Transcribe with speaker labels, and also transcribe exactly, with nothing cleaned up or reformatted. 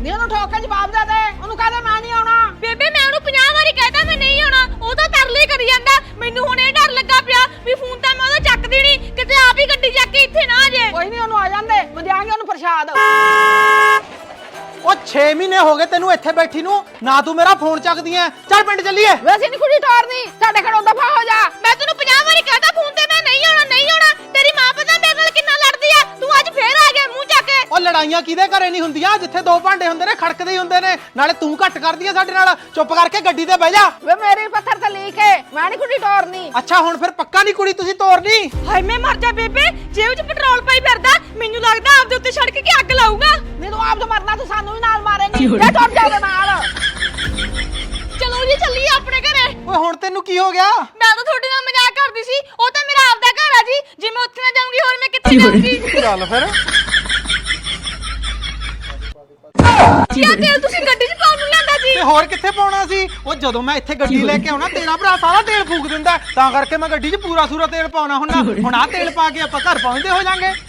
Speaker 1: ਨੀ ਉਹਨੂੰ ਠੋਕ ਕੇ ਜਵਾਬ ਦੇ ਦੇ, ਉਹਨੂੰ ਕਹਦੇ ਮੈਂ ਨਹੀਂ ਆਉਣਾ।
Speaker 2: ਬੇਬੇ ਮੈਂ ਉਹਨੂੰ ਪੰਜਾਹ ਵਾਰੀ ਕਹਿਤਾ ਮੈਂ ਨਹੀਂ ਆਉਣਾ, ਉਹ ਤਾਂ ਤਰਲੇ ਕਰੀ ਜਾਂਦਾ। ਮੈਨੂੰ ਹੁਣ ਇਹ ਡਰ ਲੱਗਾ ਪਿਆ ਵੀ ਫੋਨ ਤਾਂ ਮੈਂ ਉਹਦਾ ਚੱਕਦੀ ਨਹੀਂ, ਕਿਤੇ ਆਪ ਹੀ ਗੱਡੀ ਚੱਕ ਕੇ ਇੱਥੇ ਨਾ ਆ ਜਾਏ।
Speaker 1: ਕੋਈ ਨਹੀਂ ਉਹਨੂੰ ਆ ਜਾਂਦੇ, ਮੈਂ ਦਿਆਂਗੀ ਉਹਨੂੰ ਪ੍ਰਸ਼ਾਦ।
Speaker 3: ਉਹ ਛੇ ਮਹੀਨੇ ਹੋ ਗਏ ਤੈਨੂੰ ਇੱਥੇ ਬੈਠੀ ਨੂੰ, ਨਾ ਤੂੰ ਮੇਰਾ ਫੋਨ ਚੱਕਦੀ ਐ। ਚੱਲ ਪਿੰਡ ਚੱਲੀਏ।
Speaker 1: ਵੈਸੇ ਨਹੀਂ ਕੁੜੀ ਟੋਰਨੀ, ਸਾਡੇ ਘਰੋਂ ਦਫਾ ਹੋ ਜਾ।
Speaker 2: ਮੈਂ ਤੈਨੂੰ ਪੰਜਾਹ ਵਾਰੀ ਕਹਿਤਾ ਫੋਨ ਤੇ ਮੈਂ ਨਹੀਂ ਆਉਣਾ ਨਹੀਂ ਆਉਣਾ। ਤੇਰੀ ਮਾਂ ਪਤਾ ਮੇਰੇ ਨਾਲ ਕਿੰਨਾ ਲੜਦੀ ਆ, ਤੂੰ ਅੱਜ ਫੇਰ ਆ ਗਿਆ ਮੂੰਹ ਚੱਕ ਕੇ।
Speaker 3: ਉਹ ਲੜਾਈਆਂ ਕਿਹਦੇ ਘਰੇ ਨਹੀਂ ਹੁੰਦੀਆਂ, ਜਿੱਥੇ ਦੋ ਭਾਂਡੇ ਹੁੰਦੇ ਨੇ ਖੜਕਦੇ ਹੀ ਹੁੰਦੇ ਨੇ। ਨਾਲੇ ਤੂੰ ਘੱਟ ਕਰਦੀ ਐ ਸਾਡੇ ਨਾਲ, ਚੁੱਪ ਕਰਕੇ ਗੱਡੀ ਤੇ ਬਹਿ ਜਾ।
Speaker 1: ਵੇ ਮੇਰੀ ਪੱਥਰ ਤੇ ਲੀਕ ਹੈ, ਮੈਂ ਨਹੀਂ ਕੁੜੀ ਟੋਰਨੀ।
Speaker 3: ਅੱਛਾ ਹੁਣ ਫਿਰ ਪੱਕਾ ਨਹੀਂ ਕੁੜੀ ਤੁਸੀਂ ਤੋਰਨੀ।
Speaker 2: ਹਾਏ ਮੈਂ ਮਰ ਜਾ ਬੇਬੇ, ਜੇਬ 'ਚ ਪੈਟਰੋਲ ਪਾਈ ਫਿਰਦਾ, ਮੈਨੂੰ ਲੱਗਦਾ ਆਪਦੇ ਉੱਤੇ ਸੜਕ ਕੇ ਅੱਗ ਲਾਊਗਾ।
Speaker 1: ਨਹੀਂ ਤੂੰ ਆਪ ਤੋਂ ਮਰਨਾ, ਤੂੰ ਸਾਨੂੰ ਵੀ ਨਾਲ ਮਾਰੇਂਗੀ। ਇਹ ਟੁੱਟ ਜਾਵੇ ਨਾਲ।
Speaker 2: ਚਲੋ ਜੀ ਚੱਲੀਏ ਆਪਣੇ ਘਰੇ।
Speaker 3: ਓਏ ਹੁਣ ਤੈਨੂੰ ਕੀ ਹੋ ਗਿਆ?
Speaker 2: ਮੈਂ ਤਾਂ ਤੁਹਾਡੇ ਨਾਲ ਮਜ਼ਾਕ ਕਰਦੀ ਸੀ, ਉਹ ਤਾਂ ਮੇਰਾ ਆਪਦਾ ਘਰ ਆ ਜੀ। ਜੇ ਮੈਂ ਉੱਥੇ ਨਾ ਜਾਊਂਗੀ ਹੋਰ ਮੈਂ ਕਿੱਥੇ ਜਾਊਂਗੀ?
Speaker 3: ਚੱਲ ਫਿਰ।
Speaker 2: ਕਿਆ ਤੇਲ ਤੁਸੀਂ ਗੱਡੀ 'ਚ ਪਾਉਣ ਨੂੰ ਲਿਆਂਦਾ ਜੀ?
Speaker 3: ਤੇ ਹੋਰ ਕਿੱਥੇ ਪਾਉਣਾ ਸੀ? ਉਹ ਜਦੋਂ ਮੈਂ ਇੱਥੇ ਗੱਡੀ ਲੈ ਕੇ ਆਉਣਾ ਤੇਰਾ ਭਰਾ ਸਾਰਾ ਤੇਲ ਫੂਕ ਦਿੰਦਾ, ਤਾਂ ਕਰਕੇ ਮੈਂ ਗੱਡੀ 'ਚ ਪੂਰਾ ਸੂਰਾ ਤੇਲ ਪਾਉਣਾ ਹੁੰਦਾ। ਹੁਣ ਆਹ ਤੇਲ ਪਾ ਕੇ ਆਪਾਂ ਘਰ ਪਹੁੰਚਦੇ ਹੋ ਜਾਾਂਗੇ।